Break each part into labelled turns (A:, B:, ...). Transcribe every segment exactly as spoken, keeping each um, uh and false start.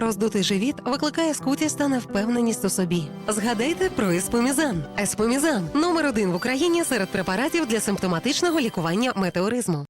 A: Роздутий живіт викликає скутість та невпевненість у собі. Згадайте про еспомізан. Еспомізан – номер один в Україні серед препаратів для симптоматичного лікування метеоризму.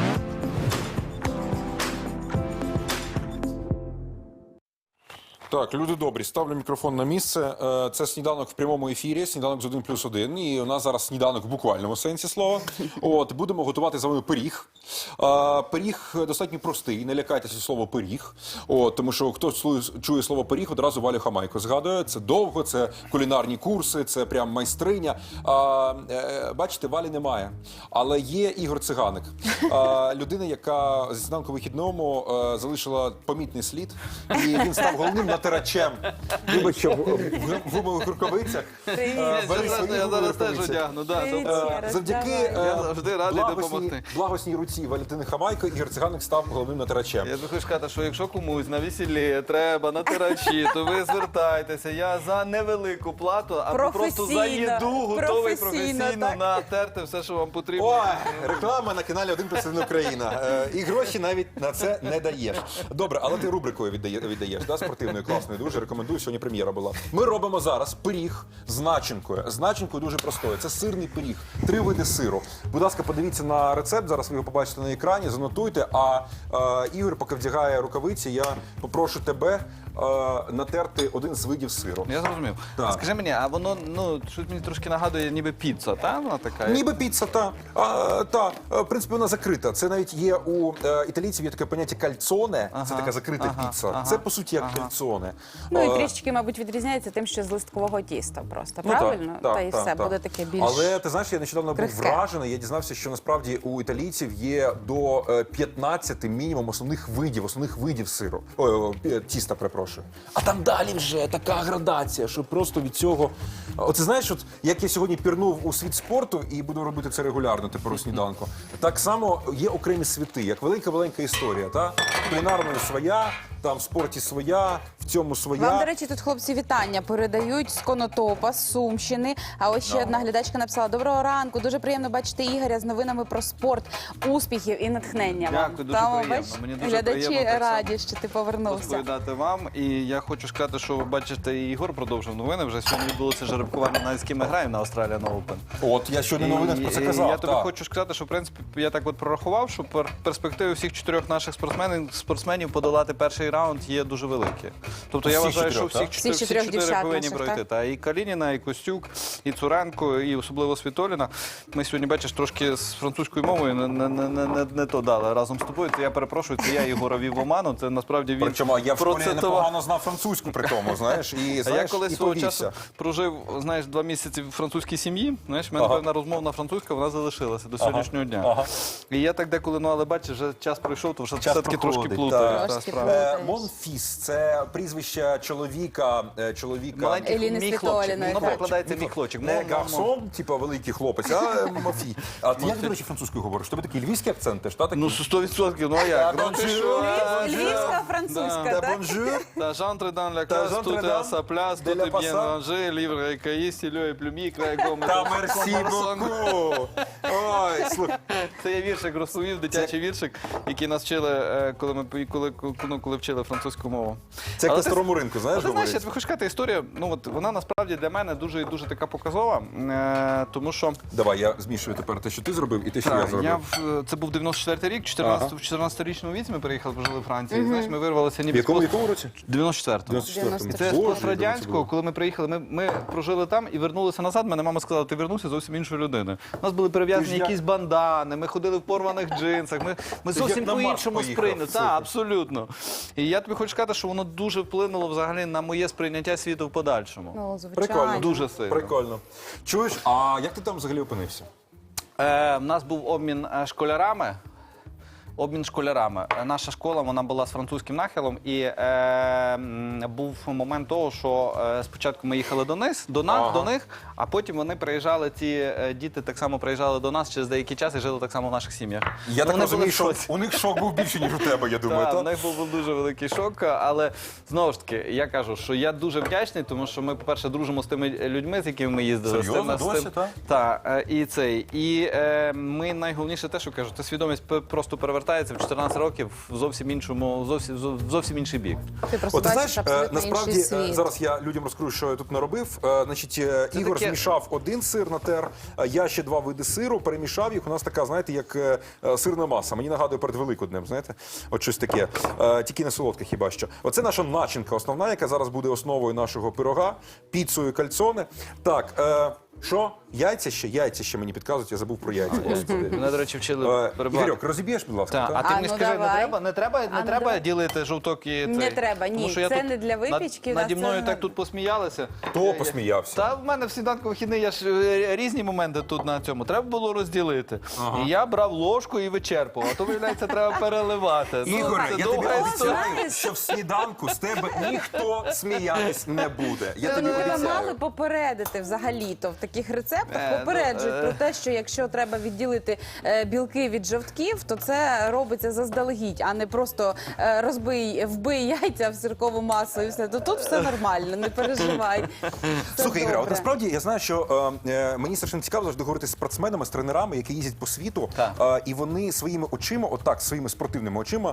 B: Так, люди добрі, ставлю мікрофон на місце. Е, Це сніданок в прямому ефірі, сніданок з один плюс один. І у нас зараз сніданок в буквальному сенсі слова. От, будемо готувати з вами пиріг. Е, Пиріг достатньо простий, не лякайтеся слово пиріг. От, тому що хто чує слово пиріг, одразу Валю Хамайко згадує. Це довго, це кулінарні курси, це прям майстриня. Е, е, Бачите, Валі немає. Але є Ігор Циганик. Е, Людина, яка зі сніданку вихідному е, залишила помітний слід. І він став головним натирачем. Вибач, що в гумових рукавицях.
C: Я зараз теж одягну.
B: Завдяки
C: завжди радий допомогти.
B: благосній руці Валентини Хамайко Ігор Циганик став головним натирачем.
C: Я хочу сказати, що якщо комусь на весіллі треба натирачі, то ви звертайтеся. Я за невелику плату, або просто за їду готовий професійно натерти все, що вам потрібно.
B: Ой, реклама на каналі один плюс один Україна. Е, І гроші навіть на це не даєш. Добре, але ти рубрикою віддає, віддаєш, да, спортивною, класною, дуже рекомендую, сьогодні прем'єра була. Ми робимо зараз пиріг з начинкою. З начинкою дуже простою. Це сирний пиріг, три види сиру. Будь ласка, подивіться на рецепт, зараз ви його побачите на екрані, занотуйте. А е, Ігор, поки вдягає рукавиці, я попрошу тебе е, натерти один з видів сиру.
C: Я зрозумів.
B: Так.
C: Скажи мені, а воно, ну, щось мені трошки нагадує, ніби піца, та? Вона така?
B: Ніби піца, та. А, та. В принципі, вона закрита. Це навіть є у е, італійців є таке поняття кальцоне. Ага, це така закрита
C: ага,
B: піца.
C: ага,
B: це, по суті, як
C: ага.
B: кальцоне.
D: Ну і
B: Е,
D: трішечки, мабуть, відрізняється тим, що з листкового тіста просто,
B: Ну, так,
D: правильно?
B: так,
D: Та і
B: так,
D: все,
B: так.
D: буде таке більш...
B: Але ти знаєш, я нещодавно був
D: крихке.
B: вражений. Я дізнався, що насправді у італійців є до е, п'ятнадцяти мінімум основних видів, основних видів сиру. Ой, о, пі- тіста, перепрошую. А там далі вже така градація, що просто від цього. Оце знаєш, от як я сьогодні пірнув у світ спорту і буду робити це регулярно тепер у сніданку. Так само є окремі світи, як велика-велика історія. Та кулінарної своя, там в спорті своя, в цьому своя.
D: Вам, до речі, тут хлопці вітання передають з Конотопа, з Сумщини. А ось ще
B: No.
D: одна глядачка написала: доброго ранку, дуже приємно бачити Ігоря з новинами про спорт, успіхів і натхнення вам.
C: Дякую, дуже
D: Тому,
C: приємно.
D: бач,
C: Мені дуже
D: глядачі
C: приємно так
D: раді, що ти повернувся.
C: розповідати вам. І я хочу сказати, що ви бачите, і Ігор продовжив новини. Вже сьогодні відбулося жеребкування, навіть з ким ми граємо на Australian Open.
B: От я щойно новинах про це
C: І
B: казав.
C: Я тобі
B: так.
C: хочу сказати, що в принципі я так от прорахував, що пер- перспективи всіх чотирьох наших спортсменів, спортсменів подолати перший раунд є дуже великі. Тобто я
B: Всіх
C: вважаю, що
B: чотирьох,
C: всіх,
B: так?
C: чотир-
D: Всіх
C: всі
D: чотирьох
C: чотири
D: дівчат
C: повинні
D: наших,
C: пройти.
D: так?
C: Та і Калініна, і Костюк, і Цуренко, і особливо Світоліна. Ми сьогодні, бачиш, трошки з французькою мовою не, не, не, не, не то дали разом з тобою. То я перепрошую, це я Ігора вів в оману. Це насправді він
B: Причому я в школі
C: процитував.
B: непогано знав французьку при тому, знаєш, і,
C: А я
B: знаєш,
C: колись
B: і
C: свого
B: повівся.
C: часу прожив, знаєш, два місяці в французькій сім'ї. Знаєш, в мене
B: Ага.
C: певна розмовна французька, вона залишилася до сьогоднішнього дня.
B: Ага.
C: І я так деколи, ну але бачиш, вже час пройшов, то вже
B: Час
C: все-таки трошки
B: проходить,
C: плутаю.
B: так.
C: та,
D: Трошки
C: справа.
D: плутаю.
B: Е, Монфіс – це прізвище чоловіка, е, чоловіка...
C: Маленький
D: Еліни
C: мій хлопчик.
D: Світоліної,
C: Воно
D: так.
C: перекладається мій хлопчик.
B: Не
C: Мон, мон, мон.
B: гарсон, типу великий хлопець, а Мофі. А ти як, до речі, французькою говориш? У тебе такий львівський акцент теж, та?
C: Ну, сто відсотків, ну а як? Ну, ти що?
D: Львівська, французька,
B: Та
D: так?
B: бонжур.
C: Та j'entre dans la
B: Та
C: classe,
B: j'entre
C: tout est
B: dans
C: à sa place,
B: de
C: tout
B: la
C: est bien
B: passade.
C: rangé, livre et cahier, stylo et plumier, crayon, gomme.
B: Та мерсі боку. Ой, слухай.
C: Це я віршик розповів, дитячий віршик, який нас вчили, е, коли ми пої- коли, коли, коли вчили французьку мову.
B: Це як
C: Але
B: на
C: ти-
B: старому ринку, знаєш,
C: Ти знаєш, я
B: говорять?
C: тобі хочу сказати, історія, ну от вона насправді для мене дуже і дуже така показова, е, тому що
B: Давай, я змішую тепер те, що ти зробив, і те, що я
C: так,
B: зробив.
C: я в, це був дев'яносто четвертий рік, чотирнадцять,
B: Ага.
C: в чотирнадцятирічному віці ми приїхали, пожили в Франції. І, знаєш, ми вирвалися
B: В
C: ніби
B: якому,
C: з
B: якому році?
C: дев'яносто четвертому.
B: дев'яносто четвертому.
C: Це з
B: Боже,
C: пострадянського, коли ми приїхали, ми, ми прожили там і вернулися назад. Мене мама сказала, ти вернувся зовсім іншою людиною. У нас були перев'язані
B: Ти ж я-
C: якісь бандани, ми ходили в порваних джинсах, ми, ми
B: Ти
C: зовсім
B: як на Марс
C: по-іншому
B: поїхав,
C: сприйняли.
B: слухай.
C: Так, абсолютно. І я тобі хочу сказати, що воно дуже вплинуло взагалі на моє сприйняття світу в подальшому.
D: Ну, звичайно.
B: Прикольно.
C: Дуже сильно.
B: Прикольно. Чуєш, а як ти там взагалі опинився?
C: Е, в нас був обмін е, школярами. Обмін школярами. Е, Наша школа вона була з французьким нахилом, і е, м, був момент того, що е, спочатку ми їхали до них, до нас,
B: Ага.
C: до них, а потім вони приїжджали. Ці е, діти так само приїжджали до нас через деякий час і жили так само в наших сім'ях.
B: Я
C: Ну,
B: так
C: вони
B: розумію,
C: були в
B: що
C: шоці.
B: у них шок був більше, ніж у тебе, я думаю.
C: Так,
B: та?
C: в них був дуже великий шок, але знову ж таки, я кажу, що я дуже вдячний, тому що ми, по-перше, дружимо з тими людьми, з якими ми їздили. з
B: Серйозно?
C: тими- з
B: Досі,
C: тим-
B: так?
C: Так, е, і цей. І е, ми найголовніше те, що кажу, це свідомість п- просто перевертає. розвертається в чотирнадцять років в зовсім іншому, зовсім, зов- зовсім інший бік.
D: Ти просто
B: От ти
D: бачиш
B: знаєш, е,
D: абсолютно
B: насправді
D: інший
B: е,
D: світ.
B: зараз я людям розкрию, що я тут наробив. Е, Значить, е,
C: Це
B: Ігор
C: таке-
B: змішав один сир натер, е, я ще два види сиру, перемішав їх. У нас така, знаєте, як е, е, сирна маса. Мені нагадує перед Великоднем, знаєте, от щось таке. Е, Тільки не солодке хіба що. Оце наша начинка основна, яка зараз буде основою нашого пирога, піцою кальцоне. Так, е, що? Яйця ще? Яйця ще мені підказують, я забув про яйця. Господи.
C: Мене, до речі, вчили
B: Е,
C: перебувати.
B: Ігорьок, розіб'єш, будь ласка.
C: Так,
B: так?
C: а ти
D: А,
C: мені
D: ну
C: скажи, не
D: давай.
C: треба, не треба, не
D: А, ну
C: треба
D: давай.
C: ділити жовток і
D: Не
C: цей?
D: треба, ні.
C: Тому що я
D: Це
C: тут
D: не для випічки,
C: Над,
D: да,
C: наді
D: це
C: мною
D: не-
C: так тут посміялися.
B: Хто посміявся?
C: Та в мене в сніданку вихідний, я ж е, різні моменти тут на цьому. Треба було розділити. І я брав ложку і вичерпував. А то, виявляється, треба переливати. Ну,
B: Ігоре,
C: це
B: я тобі
C: довга історія.
B: обіцяю, що в сніданку з тебе ніхто сміятись не буде. Я тобі
D: Тебе мали
B: обіцяю.
D: попередити взагалі-то в таких рецептах
C: Е, ну,
D: попереджують
C: е.
D: про те, що якщо треба відділити е, білки від жовтків, то це робиться заздалегідь, а не просто е, розбий, вбий яйця в сиркову масу і все. То тут все нормально, не переживай. Все
B: Слухай, Ігоре, от
D: добре.
B: насправді я знаю, що е, е, мені страшно цікаво завжди говорити з спортсменами, з тренерами, які їздять по світу,
C: Так.
B: е, і вони своїми очима, отак, своїми спортивними очима,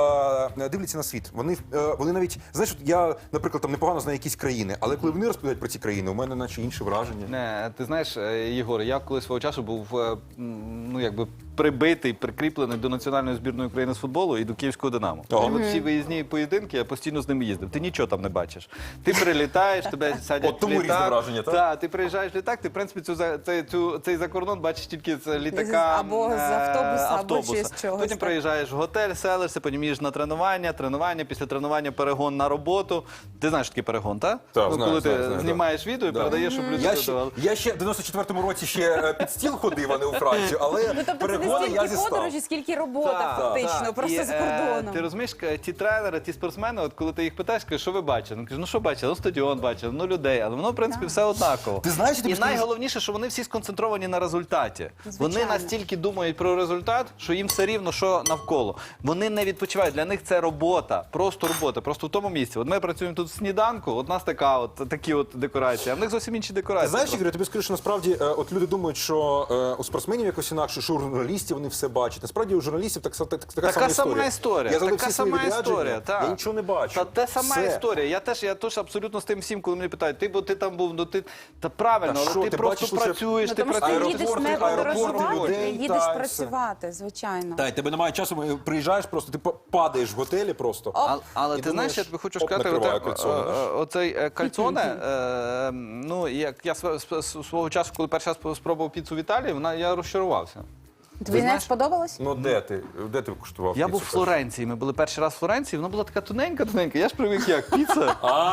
B: е, дивляться на світ. Вони, е, вони навіть, знаєш, от я, наприклад, там непогано знаю якісь країни, але коли вони розповідають про ці країни, у мене наче інше враження.
C: Не, ти знаєш, е, Єгор, я колись свого часу був е, м, ну якби прибитий, прикріплений до національної збірної України з футболу і до Київського Динамо.
B: Ага.
C: І от всі виїзні поєдинки, я постійно з ними їздив. Ти нічого там не бачиш. Ти прилітаєш, тебе садять
B: От тому
C: в
B: різне
C: літак.
B: враження, так?
C: Так, ти приїжджаєш в літак, ти в принципі цю, за- цей, цю, цей закордон бачиш тільки з літака.
D: Або з
C: е,
D: автобуса, або
C: автобуса.
D: ще з чогось,
C: Потім
D: так.
C: приїжджаєш в готель, селишся, потім їдеш на тренування, тренування, після тренування перегон на роботу. Ти знаєш, що таке перегон, так?
B: Так,
C: ну,
B: знаю,
C: коли
B: знаю,
C: ти
B: знаю,
C: знімаєш відео і
B: Да.
C: передаєш, щоб люди
B: Я ще,
C: додавали.
B: я ще в дев'яносто четвертому році ще е, під стіл ходив, а не у Францію, але
D: Ну, тобто це не
B: перегони я
D: стільки
B: зістав.
D: подорожі, скільки робота
C: Так,
D: фактично,
C: так.
D: просто
C: І,
D: за
C: е,
D: кордоном.
C: Ти розумієш, к- ті тренери, ті спортсмени, от коли ти їх питаєш, кажуть, що ви бачили? Ну кажуть, ну що бачили? Ну стадіон бачили, ну людей, але воно в принципі все однаково.
B: Ти знаєш, я тобі
C: і
B: скажу-
C: найголовніше, що вони всі сконцентровані на результаті. Вони
D: Звичайно.
C: настільки думають про результат, що їм все рівно, що навколо. Вони не відпочивають. Для них це робота, просто робота, просто в тому місці. От ми працюємо тут в сніданку, от у нас така, от такі от декорації, а в них зовсім інші
B: Ти
C: декорації.
B: знаєш,
C: просто.
B: Ігор, я тобі скажу, що насправді е, от люди думають, що е, у спортсменів якось інакше, що у журналістів вони все бачать. Насправді у журналістів так, так, така,
C: Така
B: сама
C: сама
B: історія.
C: історія.
B: Я зробив
C: Така
B: всі свої
C: сама
B: відрядження,
C: історія. Так.
B: я нічого не бачу.
C: Та те сама
B: Все.
C: історія. Я теж, я теж абсолютно з тим всім, коли мене питають, ти бо ти там був, ну ти та правильно,
B: Та
C: але
B: що,
C: ти,
B: ти
C: просто
B: бачиш лише-
C: працюєш,
D: Ну,
C: ти
D: тому що ти
C: працюєш.
D: їдеш
B: аеропорти,
D: не
B: аеропорти,
D: подорожувати,
B: людей,
D: ти їдеш
B: та, і
D: працювати, звичайно.
B: Та, й тебе немає часу, ми- приїжджаєш просто, ти па- падаєш в готелі просто.
C: А- але
B: І
C: ти
B: думаєш,
C: знаєш, я тобі хочу
B: оп,
C: сказати,
B: накриває
C: оте-
B: кальцоне,
C: е,
B: знаєш.
C: е, оцей е, кальцоне, е, ну, як я св- св- св- свого часу, коли перший раз спробував піцу в Італії, вона, я розчарувався.
D: Тобі не
C: знаєш-
D: сподобалось?
B: Ну де ти? Де ти куштував?
C: Я
B: піцу
C: був в
B: першу?
C: Флоренції, ми були перший раз в Флоренції, вона була така тоненька-тоненька, я ж привик як, піца.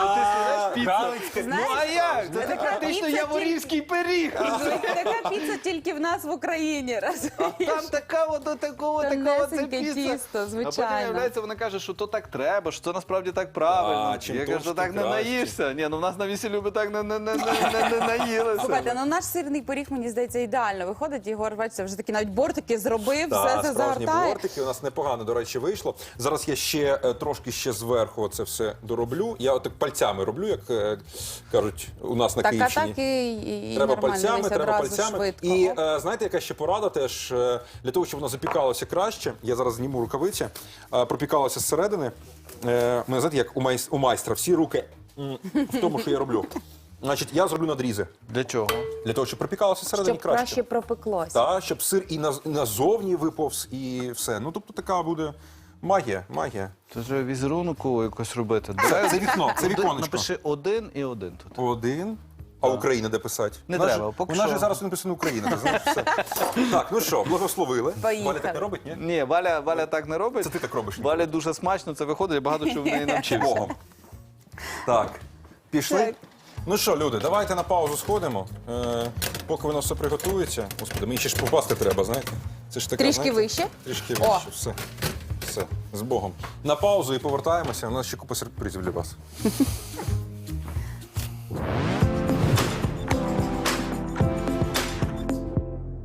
B: А,
C: піца.
B: Галицька.
C: Ну а як? Це
D: така
C: практично
D: піца
C: яворівський пиріг.
D: Така піца тільки в нас в Україні.
C: Там така от до такого, такого це
D: Тонесеньке
C: піца.
D: тісто,
C: А потім,
D: звичайно.
C: виявляється, вона каже, що то так треба, що це насправді так правильно.
B: А, чим
C: я кажу,
B: товще,
C: що так
B: тим
C: не
B: краще.
C: наїшся. Ні, ну в нас на весіллі би так не, не, не, не, не, не наїлися.
D: Слухайте, ну наш сирний пиріг, мені здається, ідеально виходить. Ігор, бачите, вже такі навіть бортики зробив,
B: Так,
D: все це
B: справжні
D: загортає.
B: бортики у нас непогано, до речі, вийшло. Зараз я ще е, трошки ще зверху це все дороблю. Я отак пальцями роблю, як е, кажуть у нас на
D: Так, а
B: Київщині.
D: так і, і, і
B: Треба
D: нормально,
B: пальцями,
D: дивись,
B: треба
D: одразу
B: пальцями.
D: швидко.
B: І
D: Оп.
B: е, знаєте, яка ще порада теж е, для того, щоб воно запікалося краще. Я зараз зніму рукавиці, е, пропікалося зсередини. Е, мене знаєте, як у, майс- у майстра, всі руки м, в тому, що я роблю. Значить, я зроблю надрізи
C: Для чого?
B: для того, щоб пропікалося всередині
D: Щоб
B: краще.
D: краще пропеклося.
B: Так, щоб сир і наз- назовні виповз, і все. Ну, тобто така буде магія, магія.
C: Це ж візерунку якось робити.
B: Це, це вікно, це віконечко.
C: Напиши один і один тут.
B: Один. А Україна де писати?
C: Не
B: У нас
C: треба,
B: же-
C: поки
B: У нас
C: що.
B: же зараз написано Україна, ти знаєш все. Так, ну що, благословили.
D: Поїхали.
B: Валя так не робить, ні?
C: Ні, Валя, Валя так не робить.
B: Це ти так робиш.
C: Валя дуже смачно це виходить, я багато чого в неї навчився.
B: Богом. Так, пішли.
D: Так.
B: Ну що, люди, давайте на паузу сходимо. Е, поки воно все приготується. Господи, мені ще ж попасти треба, знаєте? Це ж така,
D: Трішки
B: знаєте,
D: вище?
B: Трішки
D: О.
B: вище. Все. Все. З Богом. На паузу і повертаємося. У нас ще купа сюрпризів для вас.